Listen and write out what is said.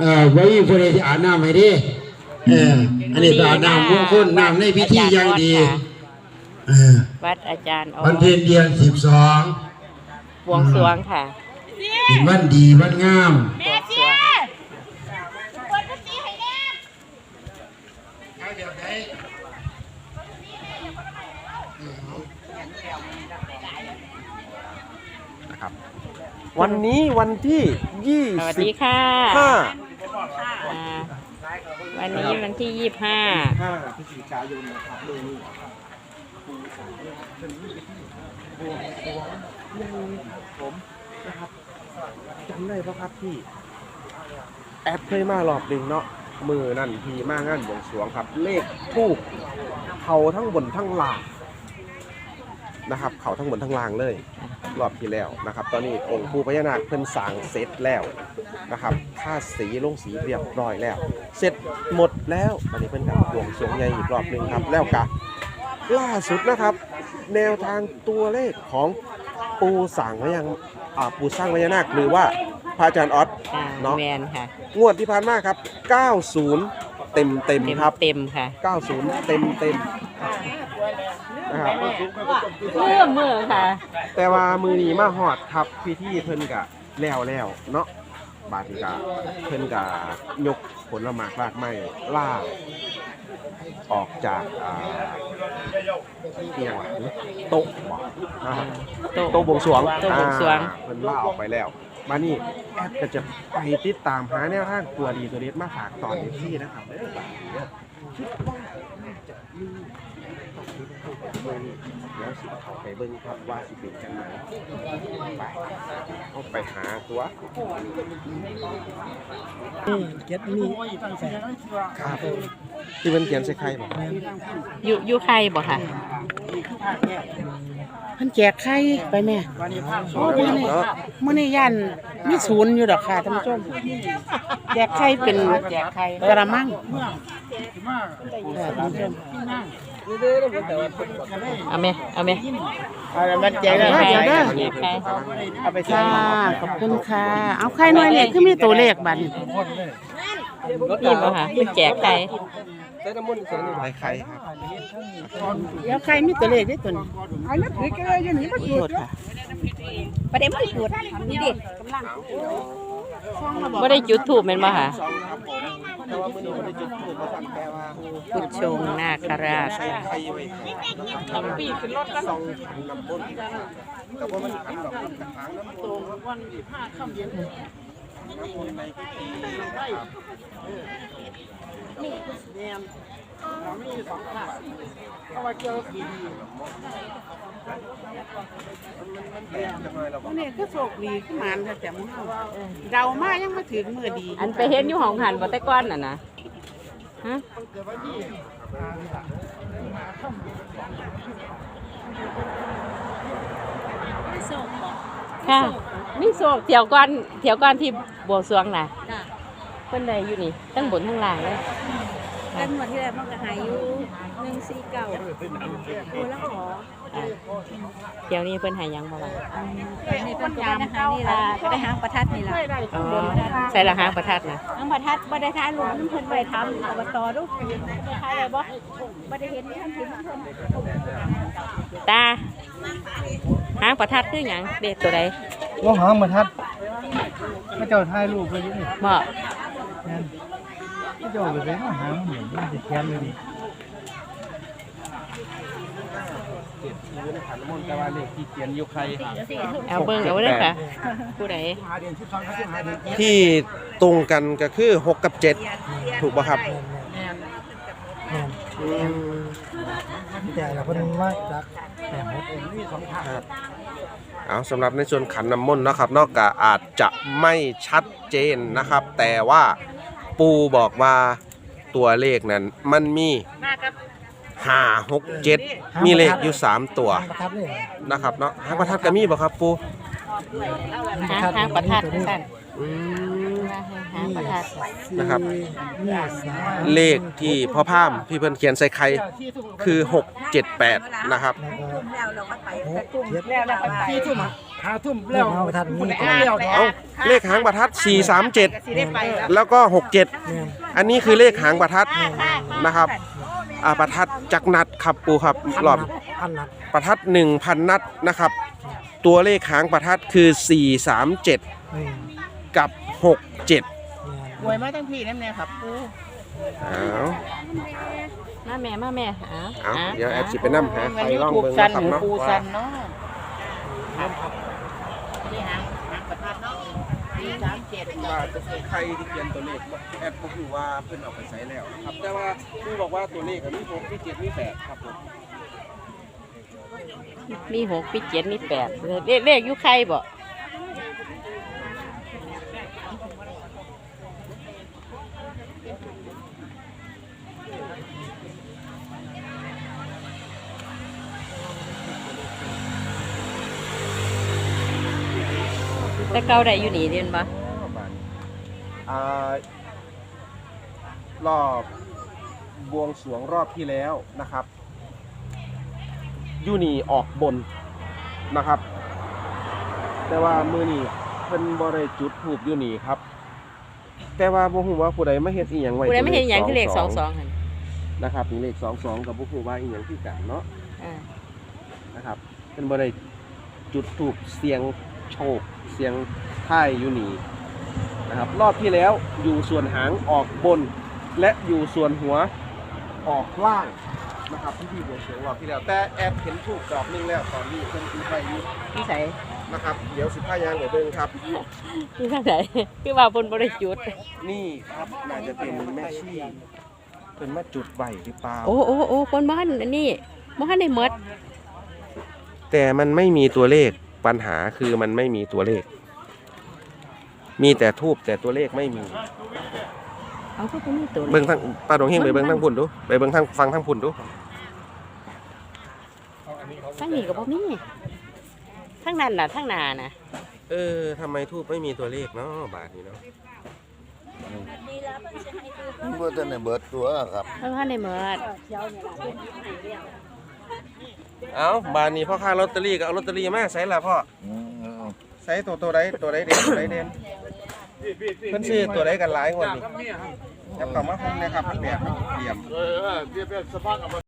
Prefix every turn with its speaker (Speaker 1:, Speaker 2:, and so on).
Speaker 1: ไว้ผู้ใดที่อาบน้ำให้ดิอันนี้เป็นอาบน้ำมงคลน้ำในพิธีอย่างดี
Speaker 2: วัดอาจารย์
Speaker 1: วันเพ็ญเดือน12
Speaker 2: บวงสรวงค่ะ
Speaker 1: เป็นวันดีวันงาม
Speaker 3: วันนี้วันที่25
Speaker 2: สวัสดีค่ะวันนี้วันที่25
Speaker 3: พฤศจิกายนนะครับเดือนนี้ผมนะครับจำได้ปะครับพี่แอดเคยมารอบหนึ่งเนาะมือนั่นพี่มางานบวงสรวงครับเลขทูปเขาทั้งบนทั้งล่างนะครับเขาทั้งบนทั้งล่างเลยรอบที่แล้วนะครับตอนนี้องค์ปู่พญานาคเพิ่นสร้างเสร็จแล้วนะครับค่าสีลงสีเรียบร้อยแล้วเสร็จหมดแล้วตอนนี้เพิ่นกับบวงสรวงใหญ่อีกรอบหนึ่งครับแล้วก็ล่าสุดนะครับแนวทางตัวเลขของปู่สร้างพญาปู่สร้างพญานาคหรือว่าพระอาจารย์ออสเนาะงวดที่ผ่านมาครับ90เต็มครับ
Speaker 2: เต็มค่ะ
Speaker 3: 90เต็มนะครับ
Speaker 2: เมื่อค่ะ
Speaker 3: แต่ว่ามือนี้มาฮอดครับพิธีเพิ่นกะแล้วเนาะบาดนี้กะเพิ่นกะยกผลไม้รากไม้ล่าออกจากเตียงโต๊ะบ่นะครับโต๊ะบวงสรวงเพิ่นล่าออกไปแล้วมานี่แอดก็จะไปติดตามหาแนวทางตัวดีตัวเด็ดมาฝากตอนนี้นะครับคิดว่าจะมีแล้วสิเขาไปเบิ้งครับว่าสิเป็นกันไหนไปเอาไปหาตัว
Speaker 4: เก็บนี่
Speaker 3: ครับที่มันเขียนใส่ไข่บ่
Speaker 2: อยู่ไข่บ่ค่ะ
Speaker 4: เพิ่นแจกไข่ไปแม่โอ้มื้อนี้ย่านมีศูนย์อยู่ดอกค่ะท่านผู้ชมแจกไข่เป็นกระมังท่านผู้ชม
Speaker 2: เอาไหม
Speaker 4: มันแจกได้เดี๋ยวเด้อเอาไปค่ะขอบคุณค่ะเอาไข่หน่อยเนี่ยคือมีตัวเลขบัดนี้
Speaker 2: นี่บ่ค่ะแจกไข่
Speaker 3: ใส่ไข่ครับ
Speaker 4: เดี๋ยวไข่มีตัวเลขได้ตัวนี้เอานับถือกันเลยอย่างนี้บ่จุดค่ะ
Speaker 2: ประเด็นไม่จุดนี่ดิบ่ได้จุดถูกแม่นบ่ค่ะพุทธชงนาคราช
Speaker 3: ทำปีขึ้นรถกันขันน้ำบนแต่ว่ามันขันแบบกระถางน้ำตรงวัน15ค่ำเย็นน้ำมนต์ในพิธีนี่แนมเราไม่มี2ค่ะเอาไว้เกี่ยวกับดี
Speaker 4: นี่ก็โชคดีขึ้นมาถ้าจำเดามายังมาถึงมือดี
Speaker 2: อันไปเห็นอยู่ห้องหันบ่แต่ก้อนน่ะนะฮะค่ะมีโศกเที่ยวก่อนที่บวงสรวงน่ะเพิ่นได้อยู่นี่ทั้งบนทั้งล่างเลย
Speaker 5: กันหมดที่แรกมันก็หายอยู่149โอ้แล้วขอ
Speaker 2: เดี๋ยวนี้เพิ่นหายังบ่ล่ะ
Speaker 5: นี่เพิ่นก็ได้หานี่ล่ะก็ได้หางประทัดนี่ล่ะ
Speaker 2: ใส่ละหางประทัดน่ะ
Speaker 5: หางประทัดบ่ได้ถ่ายรูปนำเพิ่นไปทำอบตลูกถ่ายได้บ่บ่ได้เห็นท่านที่เพิ่น
Speaker 2: ตาหางประทัดคือหยังเด็กตัวใด
Speaker 4: ว่าหางประทัดพระเจ้าถ่ายรูปไว้อยู่นี่
Speaker 2: บ่
Speaker 4: พระเจ้าไปเป็นหางเหมือนมันสิแค้นเลยนี่
Speaker 3: ขันน้ำมนต์แต่ว่าเลขที่เขียนอยู่ใคร
Speaker 2: เอาเบิ่งเอาเด้อค่ะผู้ใด
Speaker 3: ที่ตรงกันก็คือ6กับ7ถูกป่ะครับ
Speaker 4: แต่ละคนมาจากแต่หกมี2ทาง
Speaker 3: เอาสำหรับในส่วนขันน้ำมนต์นะครับนอกจากอาจจะไม่ชัดเจนนะครับ แต่ว่าปูบอกว่าตัวเลขนั้นมันมี5 6 7มีเลขอยู่3ตัวนะครับเนาะหางประทัดก็มีบ่ครับปู
Speaker 2: หางประทัดสั่นหางประทัด
Speaker 3: นะครับเลขที่พ่อพามพี่เพิ่นเขียนใส่ไข่คือ6 7 8นะครับ
Speaker 6: ทุ่มแล้วประทัดนี่
Speaker 3: เอาเลขหางประทัด437แล้วก็67อันนี้คือเลขหางประทัดนะครับประทัดจักรนัดครับปูครับรอบ
Speaker 6: พันนัด
Speaker 3: ประทัด 1,000 นัดนะครับ ตัวเลขหางประทัดคือ437กับ67
Speaker 4: รวยมาทั้งพี่นั่นแน่ครับปู
Speaker 3: เอา
Speaker 2: มาแม่เอา
Speaker 3: เอาเดี๋ยวแอดสิไปนำหาไฟล่องเบิ่ง
Speaker 4: สั
Speaker 3: นะ
Speaker 4: น
Speaker 3: ครับ
Speaker 4: หมู
Speaker 3: เนาะ
Speaker 4: ปู
Speaker 3: ว่า
Speaker 4: สันเนาะ
Speaker 3: ว่าใครที่เขียนตัวเลขแอดก็คือว่าเพิ่นเอาไปใช้แล้วครับแต่ว่าคือบอกว่าตัวเลขมี6มี7มี8ครับผม
Speaker 2: มี6มี7มี8เลขอยู่ใครบ่แต่เก่าได้อยู่นี่เรียนบ่
Speaker 3: รอบบวงสรวงรอบที่แล้วนะครับยูนี่ออกบนนะครับ แต่ว่ามือนี่เพิ่นบ่ได้จุดถูกยูนี่ครับ แต่ว่าบ่ฮู้ว่าผู้ใดมาเฮ็ดอีหยังไว้
Speaker 2: ผู้ใดไม่เห็นหยังคือเลข22หั่น
Speaker 3: นะครับนี่เลข22กับบ่ฮู้ว่าอีหยังคือกันเนาะ นะครับเพิ่นบ่ได้จุดถูกเสียงโชคเสียงท้ายยูนี่นะครับรอบที่แล้วอยู่ส่วนหางออกบน และอยู่ส่วนหัวออกล่างนะครับที่บวงสรวงรอบที่แล้วแต่แอบเห็นถูกดอกนึงแล้วตอนนี้เพิ่นคือไปอยู่
Speaker 2: พี่ไส
Speaker 3: นะครับเดี๋ยว15ยางเดี๋ยวเบิ่งครับ
Speaker 2: พี่ทางไหนคือว่าเพิ่นบ่ได้จุด
Speaker 3: นี่ครับน่าจะเป็นแม่ชีเพิ่นมาจุดไว้หรือเปล่า
Speaker 2: โอ้คนบ้านอันนี้บ่ทันได้หมด
Speaker 3: แต่มันไม่มีตัวเลขปัญหาคือมันไม่มีตัวเลข มีแต่ทูบแต่ตัวเลขไม่มี
Speaker 2: เอาก็บ่มีตัว
Speaker 3: เบิ่งทางปลาดงเฮงไปเบิ่งทางพุ่นดูไปเบิ่งทางฟังทางพุ่นดู
Speaker 2: ทางนี้ก็บ่มีทางนั้นน่ะทางหน้าน่ะ
Speaker 3: ทำไมทูบไม่มีตัวเลขเนาะบาทนี้เนาะ
Speaker 7: เมื่อแต่ในเบิดตัวครับ
Speaker 2: เพิ่นทันได้หมด
Speaker 3: เอาบาทนี้พ่อค้าลอตเตอรี่ก็เอาลอตเตอรี่มาใส่ละพ่อใส่ตัวใดเด่นตัวใดเด่นเพิ่นซื้อตัวใดกันหลายงวดนี่จับกลับมาคงนะครับมันแบบเตรียม